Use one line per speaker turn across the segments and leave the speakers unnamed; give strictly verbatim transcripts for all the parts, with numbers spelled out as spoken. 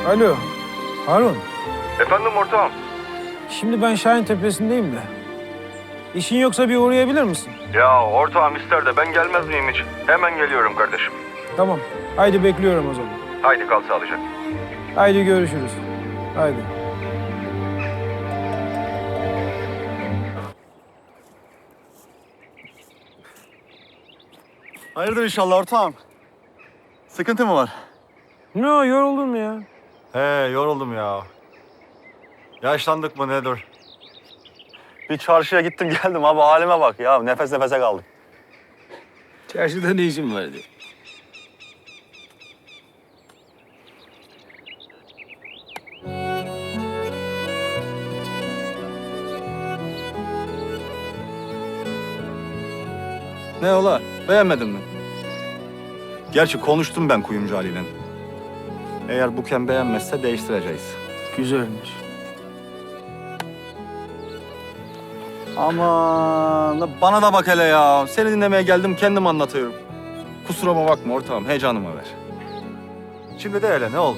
Alo, Harun.
Efendim ortağım.
Şimdi ben Şahin Tepesi'ndeyim de. İşin yoksa bir uğrayabilir misin?
Ya ortağım ister de ben gelmez miyim hiç? Hemen geliyorum kardeşim.
Tamam. Haydi bekliyorum o zaman.
Haydi kal sağlıcakla.
Haydi görüşürüz. Haydi.
Hayırdır inşallah ortağım? Sıkıntı mı var?
Ne o, yoruldun mu ya?
He, yoruldum ya. Yaşlandık mı nedir? Bir çarşıya gittim geldim abi, halime bak ya. Nefes nefese kaldık.
Çarşıda ne işin vardı?
Ne ola? Beğenmedin mi? Gerçi konuştum ben kuyumcu Ali'yle. Eğer Buken beğenmezse değiştireceğiz.
Güzelmiş.
Aman la bana da bak hele ya. Seni dinlemeye geldim, kendim anlatıyorum. Kusuruma bakma ortağım, heyecanıma ver. Şimdi de hele ne oldu?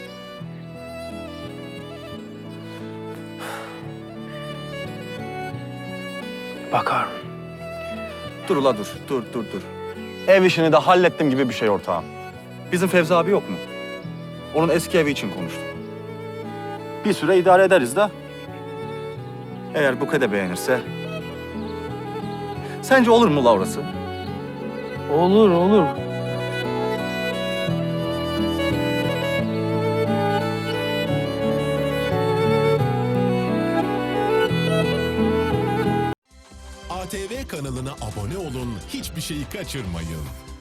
Bak Harun.
Dur ula dur, dur dur dur. Ev işini de hallettim gibi bir şey ortağım. Bizim Fevzi abi yok mu? Onun eski evi için konuştum. Bir süre idare ederiz de. Eğer Buket de beğenirse... Sence olur mu la orası?
Olur, olur.
A T V kanalına abone olun, hiçbir şeyi kaçırmayın.